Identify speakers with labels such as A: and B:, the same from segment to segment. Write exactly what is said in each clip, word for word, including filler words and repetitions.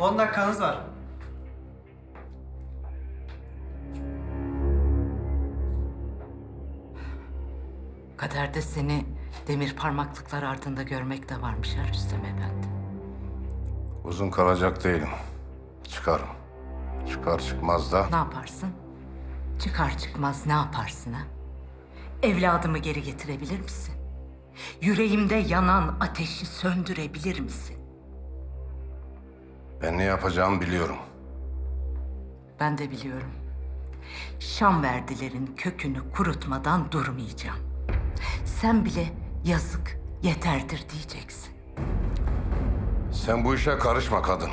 A: on dakikanız var.
B: Kaderde seni demir parmaklıklar ardında görmek de varmış ha Rüstem Efendi.
C: Uzun kalacak değilim. Çıkarım. Çıkar çıkmaz da
B: Ne yaparsın? Çıkar çıkmaz ne yaparsın ha? Evladımı geri getirebilir misin? Yüreğimde yanan ateşi söndürebilir misin?
C: ben ne yapacağımı biliyorum.
B: Ben de biliyorum. Şamverdilerin kökünü kurutmadan durmayacağım. Sen bile yazık, yeterdir diyeceksin.
C: Sen bu işe karışma kadın.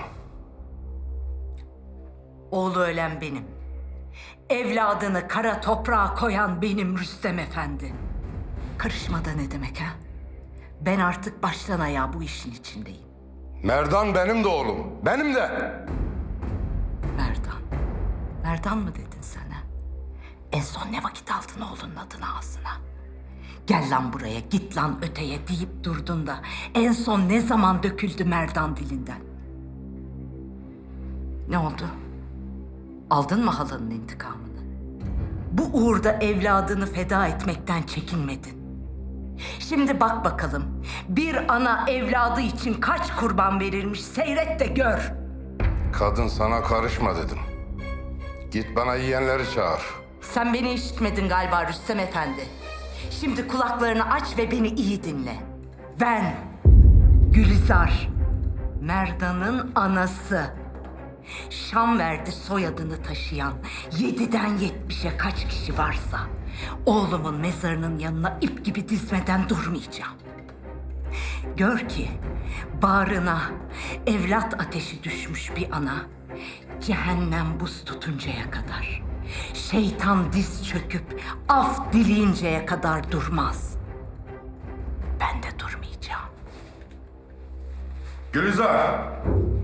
B: Oğlu ölen benim. Evladını kara toprağa koyan benim Rüstem Efendi. Karışmada ne demek ha? Ben artık baştan ayağa bu işin içindeyim.
C: Merdan benim de oğlum. Benim de.
B: Merdan. Merdan mı dedin sen ha? En son ne vakit aldın oğlunun adını ağzına? Gel lan buraya, git lan öteye deyip durdun da en son ne zaman döküldü Merdan dilinden? Ne oldu? Aldın mı halanın intikamını? Bu uğurda evladını feda etmekten çekinmedin. Şimdi bak bakalım, bir ana evladı için kaç kurban verirmiş seyret de gör.
C: Kadın sana karışma dedim. Git bana yiyenleri çağır.
B: Sen beni işitmedin galiba Rüstem Efendi. Şimdi kulaklarını aç ve beni iyi dinle. Ben, Gülizar, Merdan'ın anası. Şamverdi soyadını taşıyan yediden yetmişe kaç kişi varsa oğlumun mezarının yanına ip gibi dizmeden durmayacağım. Gör ki bağrına evlat ateşi düşmüş bir ana cehennem buz tutuncaya kadar, şeytan diz çöküp af dileyinceye kadar durmaz. Ben de durmayacağım.
C: Gülizar!